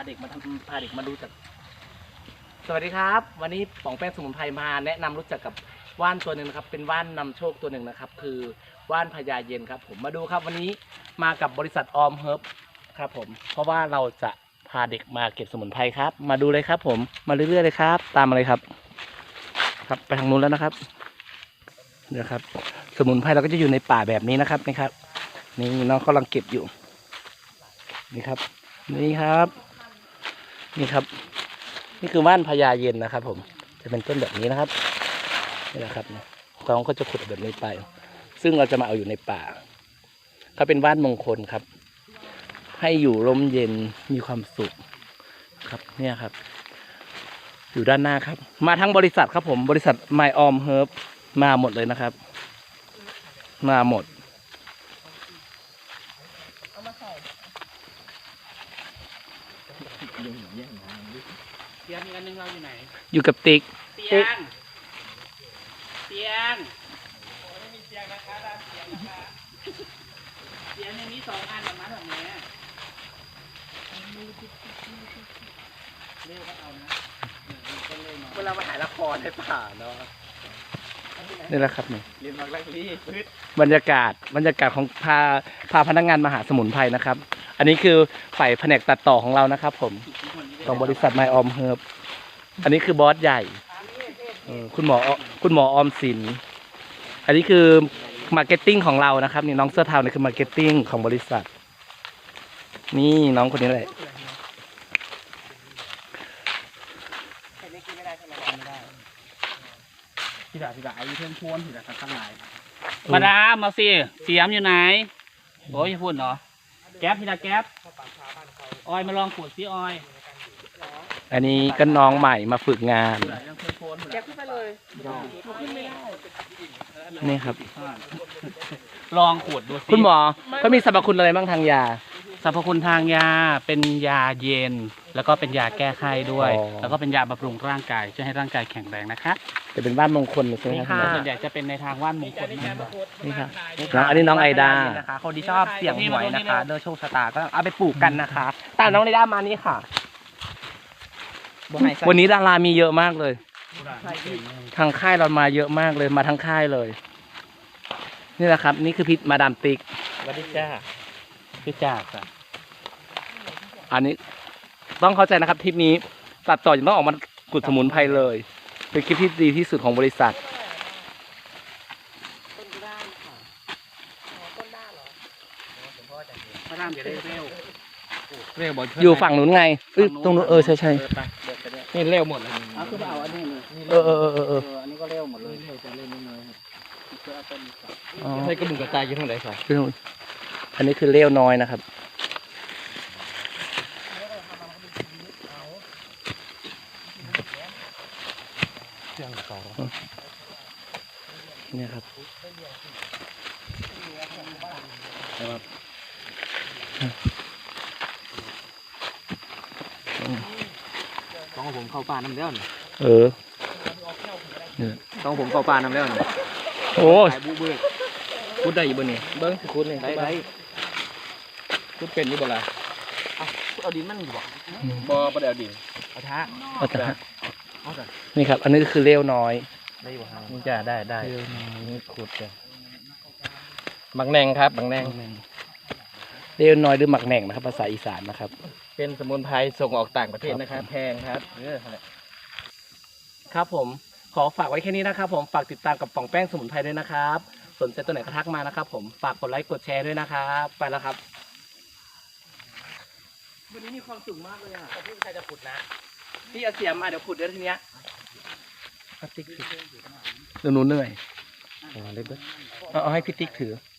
เด็กมารู้จักสวัสดีครับวันนี้ป๋องแป้งสมุนไพรมาแนะนำรู้จักกับว่านตัวหนึ่งนะครับเป็นว่านนำโชคตัวหนึ่งนะครับคือว่านพญาเย็นครับผมมาดูครับวันนี้มากับบริษัทออมเฮิร์บครับผมเพราะว่าเราจะพาเด็กมาเก็บสมุนไพรครับมาดูเลยครับผมมาเรื่อยๆเลยครับตามมาเลยครับครับไปทางนู้นแล้วนะครับเนี่ยครับสมุนไพรเราก็จะอยู่ในป่าแบบนี้นะครับนี่ครับนี่น้องกำลังเก็บอยู่นี่ครับนี่ครับนี่ครับนี่คือว่านพญาเย็นนะครับผมจะเป็นต้นแบบนี้นะครับนี่แหละครับน้องก็จะขุดแบบนี้ไปซึ่งเราจะมาเอาอยู่ในป่าเขาเป็นว่านมงคลครับให้อยู่ร่มเย็นมีความสุขครับเนี่ยครับอยู่ด้านหน้าครับมาทั้งบริษัทครับผมบริษัท My Om Herb มาหมดเลยนะครับมาหมดเตียงอีกอันนึงเราอยู่ไหนอยู่กับติ๊กเตียงโอ้ไม่มีเตียงนะคะด้านเตียงนะคะเตียงในนี้2 อันแบบนั้นแบบนี้เรียกว่าเอานะเวลามาถ่ายละครในป่าเนาะนี่แหละครับนี่เรียนมักแรกรีพืชบรรยากาศของพาพนักงานมาหาสมุนไพรนะครับอันนี้คือฝ่ายแผนกตัดต่อของเรานะครับผมของบริษัท My Om Herb อันนี้คือบอสใหญ่คุณหมอออมสินอันนี้คือมาร์เก็ตติ้งของเรานะครับนี่น้องเสื้อเทานี่คือมาร์เก็ตติ้งของบริษัทนี่น้องคนนี้แหละพี่ด่าไอ้เพื่อนชวนพี่ด่าทั้งหลายมาดามมาสิเสียมอยู่ไหนโอ้ยพูดเนาะแก๊ปพี่ด่าแก๊ปออยมาลองขวดซิออยอันนี้ก็น้องใหม่มาฝึกงานแก็บขึ้นไปเลยขึ้นไม่ได้นี่ครับลองขวดดูสิคุณหมอเขามีสรรพคุณอะไรบ้างทางยาสรรพคุณทางยาเป็นยาเย็นแล้วก็เป็นยาแก้ไขด้วยแล้วก็เป็นยาบำรุงร่างกายช่วยให้ร่างกายแข็งแรงนะคะจะเป็นว่านมงคลใช่ไหมครับส่วนใหญ่จะเป็นในทางว่านมงคลนี่ครับอันนี้น้องไอดานะคะคนที่ชอบเสี่ยงหวยนะคะเลือกโชคชะตาก็เอาไปปลูกกันนะคะตามน้องไอดามานี่ค่ะวันนี้ดารามีเยอะมากเลยทางค่ายเรามาเยอะมากเลยมาทั้งค่ายเลยนี่แหละครับนี่คือพิษมาดามติ๊กสวัสดีจ้าพี่จ้าค่ะอันนี้ต้องเข้าใจนะครับทริปนี้ตัดต่อยังต้องออกมากุดสมุนไพรเลยเป็นคลิปที่ดีที่สุดของบริษัทต้นด้านค่ะต้นด้านเหรอมาดามอย่าได้เร็วอยู่ฝั่งนู้นไงตรงนู้นใช่นี่เร็วหมดเลยคือเอาอันนี้อันนี้ก็เร็วหมดเลยจะเล่นน้อยให้กระบุงกระจายอยู่ตรงไหนครับอันนี้คือเลี้ยวน้อยนะครับเนี่ยครับต้องผมเข้าป่าน้ำเลี้ยวต้องผมเข้าป่าน้ำเลี้ยวโอ้พูดได้อยู่บนนี้เบิ้งคุณนี่ได้พูดเป็นอยู่บ่ล่ะเอาดินมันบ่ได้เอาดินเอาท้านี่ครับอันนี้คือเลี้ยวน้อยนี่จะได้นี่ขุดจ้ะบักแนงครับบักแนงเลี้ยวน้อยหรือหมักแหน่งนะครับภาษาอีสานนะครับเป็นสมุนไพรส่งออกต่างประเทศนะครับแพงครับครับผมขอฝากไว้แค่นี้นะครับผมฝากติดตามกับป๋องแป้งสมุนไพรด้วยนะครับสนใจตัวไหนก็ทักมานะครับผมฝากกดไลค์กดแชร์ด้วยนะครับไปแล้วครับวันนี้มีความสุขมากเลยอ่ะพี่ใครจะขุดนะพี่เอาเสียมมาเดี๋ยวขุดเดี๋ยวทีเนี้ยติ๊กเดี๋ยวหนูเหนื่อยเอาให้พี่ติ๊กถือ